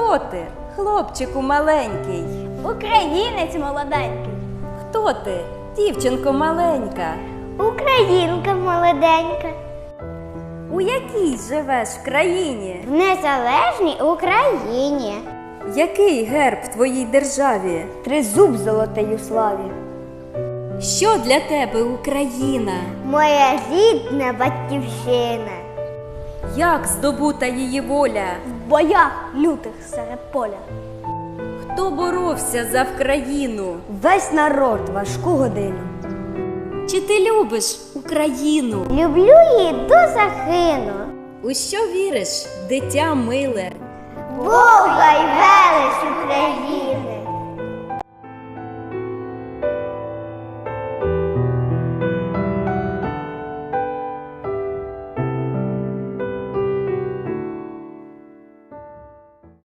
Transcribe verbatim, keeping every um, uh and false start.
Хто ти, хлопчику маленький? Українець молоденький. Хто ти, дівчинко маленька? Українка молоденька. У якій живеш країні? В незалежній Україні. Який герб в твоїй державі? Тризуб золотий у славі. Що для тебе Україна? Моя рідна батьківщина. Як здобута її воля? В боях лютих серед поля. Хто боровся за Вкраїну? Весь народ важку годину. Чи ти любиш Україну? Люблю її до загину. У що віриш, дитя миле? Бога й велич України.